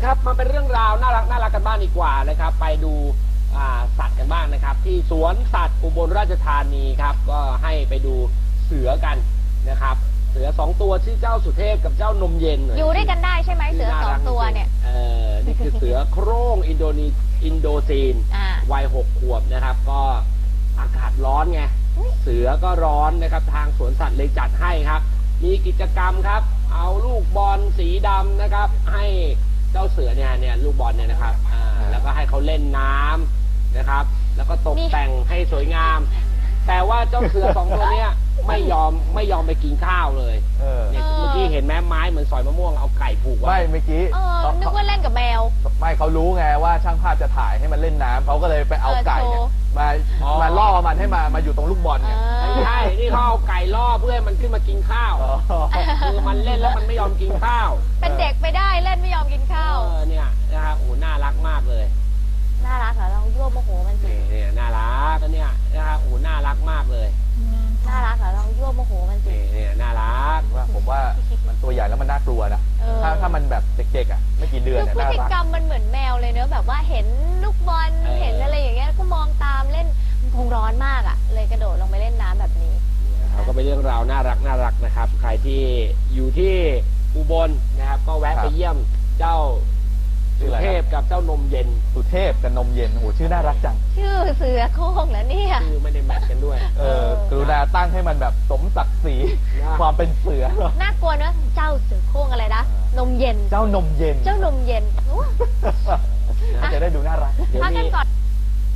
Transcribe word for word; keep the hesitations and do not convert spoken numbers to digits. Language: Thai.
ครับมาเป็นเรื่องราวน่ารักน่ารักกันบ้างดีกว่านะครับไปดูสัตว์กันบ้างนะครับที่สวนสัตว์อุบลราชธานีครับก็ให้ไปดูเสือกันนะครับเสือสองตัวชื่อเจ้าสุเทพกับเจ้านมเย็นอยู่ด้วยกันได้ใช่ไหมเสือสองตัวเนี่ยเออนี่คือเสือโคร่งอินโดนีอินโดจีนวัยหกขวบนะครับก็อากาศร้อนไงเสือก็ร้อนนะครับทางสวนสัตว์เลยจัดให้ครับมีกิจกรรมครับเอาลูกบอลสีดำนะครับให้เจ้าเสือเนี่ยเนี่ยลูกบอลเนี่ยนะครับอ่าแล้วก็ให้เขาเล่นน้ำนะครับแล้วก็ตกแต่งให้สวยงามแต่ว่าเจ้าเสือสองตัวเนี้ยไม่ยอมไม่ยอมไปกินข้าวเลยเนี่ยเมื่อกี้เห็นแม้ไม้เหมือนสอยมะม่วงเอาไก่ผูกไว้ไม่เมื่อกี้นึกว่าเล่นกับแมวไม่เขารู้ไงว่าช่างภาพจะถ่ายให้มันเล่นน้ำเขาก็เลยไปเอาไก่เนี่ยมามาล่อมันให้มามาอยู่ตรงลูกบอลเนี่ยใช่นี่เขาเอาไก่ล่อเพื่อให้มันขึ้นมากินข้าวคือมันเล่นแล้วมันไม่ยอมกินข้าวเป็นเด็กไปได้เล่นไม่ยอมกินข้าวเออเนี่ยนะครับโอ้น่ารักมากเลยน่ารักเหรอเรายั่วโมโหมันสิเนี่ยน่ารักเนี่ยนะครับโอ้น่ารักมากเลยน่ารักเหรอเรายั่วโมโหมันสิเนี่ยน่ารักว่าผมว่ามันตัวใหญ่แล้วมันน่ากลัวนะถ้าถ้ามันแบบเด็กๆอ่ะไม่กี่เดือนเนี่ยพฤติกรรมมันเหมือนแมวเลยเนอะแบบว่าเห็นลูกบอลเห็นอะไรอย่างเงี้ยก็มองตามเล่นคงร้อนมากอ่ะเลยกระโดดลงไปเล่นน้ำแบบนี้เขาก็เป็นเรื่องราวน่ารักน่ารักนะครับใครที่อยู่ที่อุบลนะครับก็แวะไปเยี่ยมเจ้าสุเทพกับเจ้านมเย็นสุเทพกับนมเย็นโหชื่อน่ารักจังชื่อเสือโคร่งแล้วเนี่ยชื่อไม่ได้แมทกันด้วยเออกรุณาตั้งให้มันแบบสมศักดิ์ศรีความเป็นเสือน่ากลัวนะเจ้าเสือโคร่งอะไรนะนมเย็นเจ้านมเย็นเจ้านมเย็นจะได้ดูน่ารักพักกันก่อน